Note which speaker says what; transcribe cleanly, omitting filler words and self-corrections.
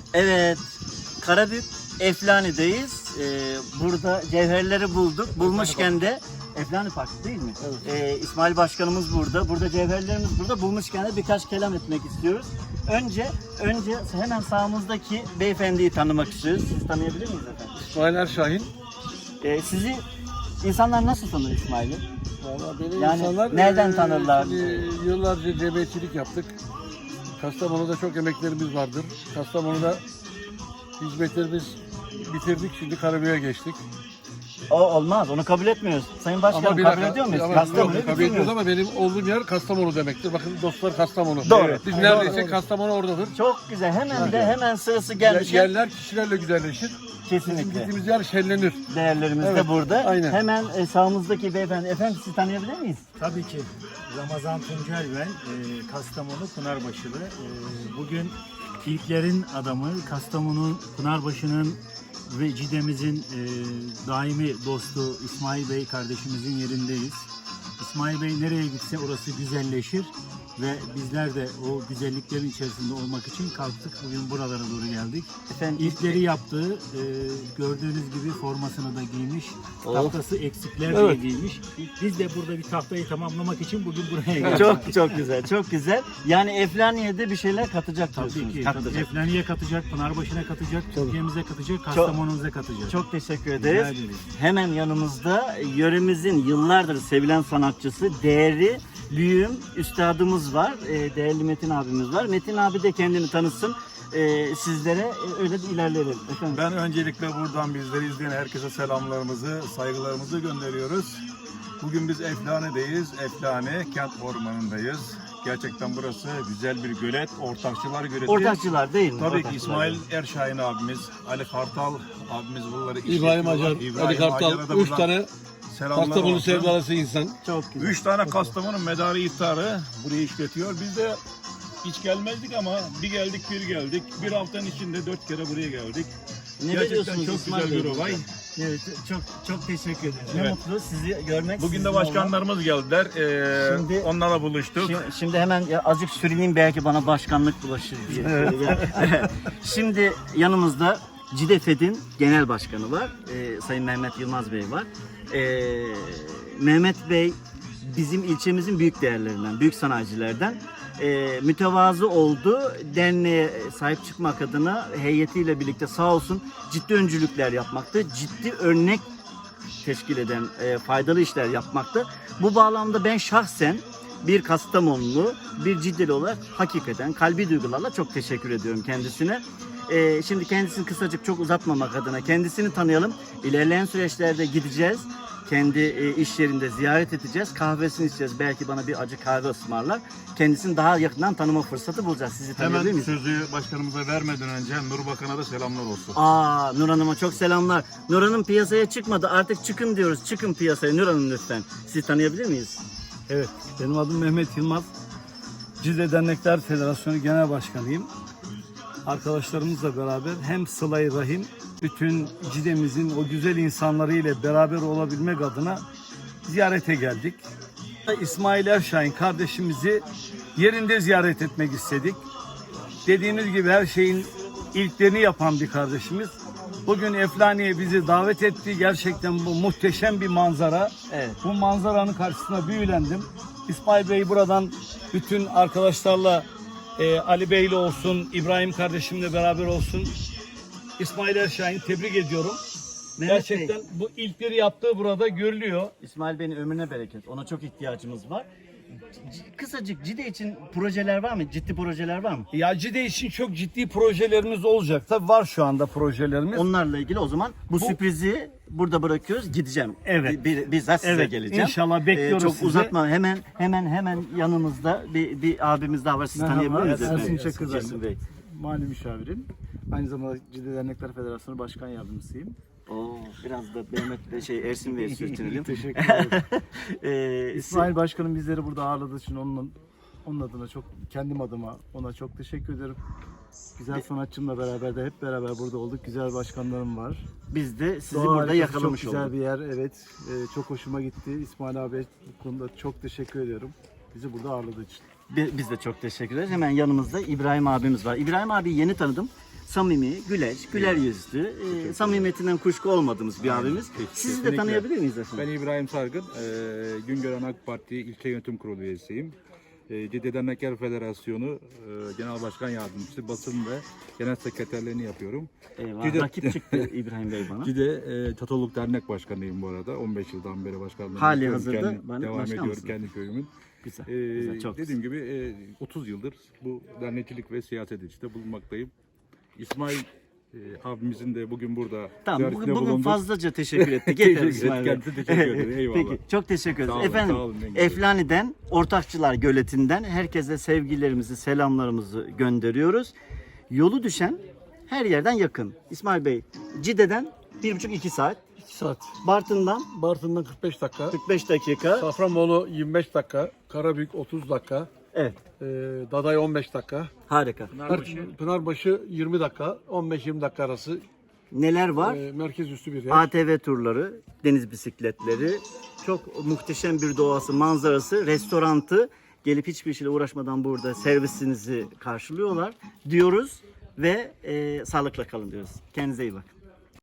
Speaker 1: Evet, Karabük Eflani'deyiz. Burada cevherleri bulduk. Bulmuşken de Eflani Parkı değil mi?
Speaker 2: Evet.
Speaker 1: İsmail Başkanımız burada. Burada cevherlerimiz burada. Bulmuşken de birkaç kelam etmek istiyoruz. Önce hemen sağımızdaki beyefendiyi tanımak istiyoruz. Siz tanıyabilir miyiz efendim?
Speaker 2: İsmail Erşahin.
Speaker 1: Sizi insanlar nasıl tanır İsmail'i?
Speaker 2: Valla beni
Speaker 1: Yani
Speaker 2: insanlar
Speaker 1: nereden tanırlar?
Speaker 2: Yıllarca cebecilik yaptık. Kastamonu'da çok emeklerimiz vardır. Kastamonu'da hizmetlerimiz bitirdik. Şimdi Karabük'e geçtik.
Speaker 1: O olmaz. Onu kabul etmiyoruz. Sayın Başkanım
Speaker 2: bir
Speaker 1: kabul
Speaker 2: dakika,
Speaker 1: ediyor muyuz?
Speaker 2: ama
Speaker 1: Kastamonu'yu
Speaker 2: yok, kabul
Speaker 1: bilmiyoruz.
Speaker 2: ediyoruz ama benim olduğum yer Kastamonu demektir. Bakın dostlar Kastamonu.
Speaker 1: Doğru.
Speaker 2: Evet. Biz
Speaker 1: Doğru,
Speaker 2: neredeyse
Speaker 1: doğru.
Speaker 2: Kastamonu oradadır.
Speaker 1: Çok güzel. Hemen sırası gelmiş.
Speaker 2: Yerler kişilerle güzelleşir. Bizim
Speaker 1: Kesinlikle.
Speaker 2: gittiğimiz yer şenlenir.
Speaker 1: Değerlerimiz
Speaker 2: Evet,
Speaker 1: de burada.
Speaker 2: aynen.
Speaker 1: Hemen sağımızdaki beyefendi. Efendim sizi tanıyabilir miyiz?
Speaker 3: Tabii ki. Ramazan Tuncel ben, Kastamonu Pınarbaşılı. Bugün ilklerin adamı, Kastamonu Pınarbaşı'nın ve Cide'mizin daimi dostu İsmail Bey kardeşimizin yerindeyiz. İsmail Bey nereye gitse orası güzelleşir ve bizler de o güzelliklerin içerisinde olmak için kalktık. Bugün buralara doğru geldik.
Speaker 1: Efendim
Speaker 3: İlkleri yaptığı, gördüğünüz gibi formasını da giymiş,
Speaker 1: Oh.
Speaker 3: tahtası eksikler diye
Speaker 2: Evet.
Speaker 3: giymiş. Biz de burada bir tahtayı tamamlamak için bugün buraya geldik.
Speaker 1: çok güzel. Çok güzel. Yani Eflaniye'de bir şeyler katacak
Speaker 3: Tabii
Speaker 1: diyorsunuz.
Speaker 3: ki.
Speaker 1: Katacak.
Speaker 3: Eflani'ye katacak, Pınarbaşı'na katacak, Türkiye'mize katacak, Kastamonu'muza katacak.
Speaker 1: Çok teşekkür
Speaker 3: Rica
Speaker 1: ederiz.
Speaker 3: ederiz.
Speaker 1: Hemen yanımızda yöremizin yıllardır sevilen sanatçısı, değerli büyüğüm, üstadımız var. Değerli Metin abimiz var. Metin abi de kendini tanıtsın. Sizlere öyle de ilerleyelim. Efendim.
Speaker 4: Ben öncelikle buradan bizleri izleyen herkese selamlarımızı, saygılarımızı gönderiyoruz. Bugün biz Eflane'deyiz. Eflane Kent Ormanı'ndayız. Gerçekten burası güzel bir gölet, ortakçılar göleti.
Speaker 1: Ortakçılar değil mi?
Speaker 4: Tabii ki
Speaker 1: Ortakçılar.
Speaker 4: İsmail Erşahin abimiz, Ali Kartal abimiz bunları
Speaker 2: İbrahim
Speaker 4: işletiyorlar.
Speaker 2: Acar,
Speaker 4: İbrahim
Speaker 2: Ali Kartal,
Speaker 4: Acar'a da
Speaker 2: 3
Speaker 4: buradan
Speaker 2: tane
Speaker 4: selamlar
Speaker 2: Kastamonu
Speaker 4: olsun.
Speaker 2: sevdalısı insan.
Speaker 1: Çok güzel.
Speaker 4: 3 tane Kastamonu medarı iftarı burayı işletiyor. Biz de hiç gelmezdik ama bir geldik bir geldik. Bir haftanın içinde 4 kere buraya geldik.
Speaker 1: Ne
Speaker 4: Gerçekten
Speaker 1: diyorsunuz
Speaker 4: çok
Speaker 1: İsmail
Speaker 4: güzel bir
Speaker 1: Bey?
Speaker 4: olay.
Speaker 3: Evet, çok teşekkür ederim.
Speaker 1: Ne
Speaker 4: Evet.
Speaker 1: mutlu sizi görmek.
Speaker 4: Bugün
Speaker 1: sizinle
Speaker 4: de başkanlarımız geldiler.
Speaker 1: Şimdi-
Speaker 4: Onlarla buluştuk.
Speaker 1: Şimdi hemen azıcık sürüneyim belki bana başkanlık bulaşır diye. Şimdi yanımızda CİDEFED'in genel başkanı var. Sayın Mehmet Yılmaz Bey var. Mehmet Bey bizim ilçemizin büyük değerlerinden, büyük sanayicilerden. Mütevazı oldu. Derneğe sahip çıkmak adına heyetiyle birlikte sağ olsun ciddi öncülükler yapmakta. Ciddi örnek teşkil eden faydalı işler yapmakta. Bu bağlamda ben şahsen bir Kastamonlu, bir Ciddeli olarak hakikaten kalbi duygularla çok teşekkür ediyorum kendisine. Şimdi kendisini kısacık çok uzatmamak adına kendisini tanıyalım. İlerleyen süreçlerde gideceğiz. Kendi iş yerinde ziyaret edeceğiz. Kahvesini içeceğiz. Belki bana bir acı kahve ısmarlar. Kendisini daha yakından tanıma fırsatı bulacağız. Sizi tanıyabilir
Speaker 4: Hemen
Speaker 1: miyiz?
Speaker 4: sözü başkanımıza vermeden önce Nur Bakan'a da selamlar olsun.
Speaker 1: Nur Hanım'a çok selamlar. Nur Hanım piyasaya çıkmadı. Artık çıkın diyoruz. Çıkın piyasaya Nur Hanım lütfen. Sizi tanıyabilir miyiz?
Speaker 5: Evet, benim adım Mehmet Yılmaz. Cide Dernekler Federasyonu Genel Başkanıyım. Arkadaşlarımızla beraber hem Sıla-i Rahim, bütün Cide'mizin o güzel insanları ile beraber olabilmek adına ziyarete geldik. İsmail Erşahin kardeşimizi yerinde ziyaret etmek istedik. Dediğiniz gibi her şeyin ilklerini yapan bir kardeşimiz. Bugün Eflani'ye bizi davet etti. Gerçekten bu muhteşem bir manzara.
Speaker 1: Evet.
Speaker 5: Bu manzaranın karşısına büyülendim. İsmail Bey buradan bütün arkadaşlarla Ali Bey'le olsun, İbrahim kardeşimle beraber olsun. İsmail Erşahin tebrik ediyorum.
Speaker 1: Mehmet
Speaker 5: Gerçekten
Speaker 1: Bey,
Speaker 5: bu ilkleri yaptığı burada görülüyor.
Speaker 1: İsmail Bey'in ömrüne bereket. Ona çok ihtiyacımız var. Kısacık Cide için projeler var mı? Ciddi projeler var mı?
Speaker 5: Ya Cide için çok ciddi projelerimiz olacak. Tabii var şu anda projelerimiz.
Speaker 1: Onlarla ilgili o zaman bu sürprizi burada bırakıyoruz. Gideceğim.
Speaker 5: Evet.
Speaker 1: Bizzat size
Speaker 5: Evet,
Speaker 1: geleceğim.
Speaker 5: inşallah bekliyoruz
Speaker 1: çok
Speaker 5: sizi.
Speaker 1: uzatma. Hemen yanımızda bir abimiz daha var. Siz
Speaker 6: Merhaba,
Speaker 1: tanıyabilir miyiz
Speaker 6: Ersin
Speaker 1: efendim?
Speaker 6: Çakır ben.
Speaker 1: Ersin Bey.
Speaker 6: Mali müşavirim. Aynı zamanda Cide Dernekler Federasyonu Başkan Yardımcısıyım.
Speaker 1: Oo, biraz da Mehmet Bey, Ersin Bey'e sürtünelim.
Speaker 6: Teşekkür ederim.
Speaker 1: İsmail
Speaker 6: İsmail Başkanım bizleri burada ağırladığı için onun adına kendim adıma ona çok teşekkür ederim. Güzel sanatçımla beraber de hep beraber burada olduk. Güzel başkanlarım var.
Speaker 1: biz de sizi
Speaker 6: Doğa
Speaker 1: burada
Speaker 6: harikası,
Speaker 1: yakalamış
Speaker 6: çok güzel
Speaker 1: olduk.
Speaker 6: bir yer. Evet. Çok hoşuma gitti. İsmail abi bu konuda çok teşekkür ediyorum. Bizi burada ağırladığı için.
Speaker 1: Biz de çok teşekkür ederiz. Hemen yanımızda İbrahim abimiz var. İbrahim abi yeni tanıdım. samimi, güler yüzlü, samimiyetinden kuşku olmadığımız bir abimiz. Sizi de
Speaker 7: kesinlikle.
Speaker 1: tanıyabilir miyiz efendim?
Speaker 7: Ben İbrahim Sargın, Güngören AK Parti İlçe Yönetim Kurulu üyesiyim. Ciddi Dernekler Federasyonu Genel Başkan Yardımcısı, basın ve genel sekreterliğini yapıyorum.
Speaker 1: Eyvah,
Speaker 7: Cide-
Speaker 1: rakip çıktı İbrahim Bey bana.
Speaker 7: Cide Çatoluk Dernek Başkanıyım bu arada. 15 yıldan beri başkanlığını
Speaker 1: Hali
Speaker 7: yapıyorum.
Speaker 1: hazırda bana
Speaker 7: devam
Speaker 1: başkan
Speaker 7: ediyorum
Speaker 1: mısın?
Speaker 7: kendi köyümün.
Speaker 1: Güzel,
Speaker 7: Ee,
Speaker 1: güzel, çok
Speaker 7: Dediğim gibi 30 yıldır bu dernekçilik ve siyaset işte bulunmaktayım. İsmail abimizin de bugün burada
Speaker 1: Tamam,
Speaker 7: ziyaretinde
Speaker 1: bugün
Speaker 7: bulunduk.
Speaker 1: fazlaca teşekkür ettik. Yeter İsmail Bey.
Speaker 7: Kendisine teşekkür ederim. Eyvallah.
Speaker 1: Peki, çok teşekkür ederiz.
Speaker 7: Sağ olun,
Speaker 1: Efendim,
Speaker 7: sağ olun, ne güzel.
Speaker 1: Eflani'den, Ortakçılar Göleti'nden herkese sevgilerimizi, selamlarımızı gönderiyoruz. Yolu düşen her yerden yakın. İsmail Bey, Cide'den 1,5-2 saat,
Speaker 2: 2 saat.
Speaker 1: Bartın'dan
Speaker 2: Bartın'dan 45 dakika.
Speaker 1: 45 dakika.
Speaker 2: Safranbolu 25 dakika. Karabük 30 dakika.
Speaker 1: Evet,
Speaker 2: Daday 15 dakika.
Speaker 1: harika.
Speaker 2: Pınarbaşı 20 dakika. 15-20 dakika arası.
Speaker 1: Neler var?
Speaker 2: Merkez üstü bir yer.
Speaker 1: ATV turları, deniz bisikletleri, çok muhteşem bir doğası, manzarası, restorantı, gelip hiçbir şeyle uğraşmadan burada servisinizi karşılıyorlar diyoruz ve sağlıkla kalın diyoruz. Kendinize iyi bakın.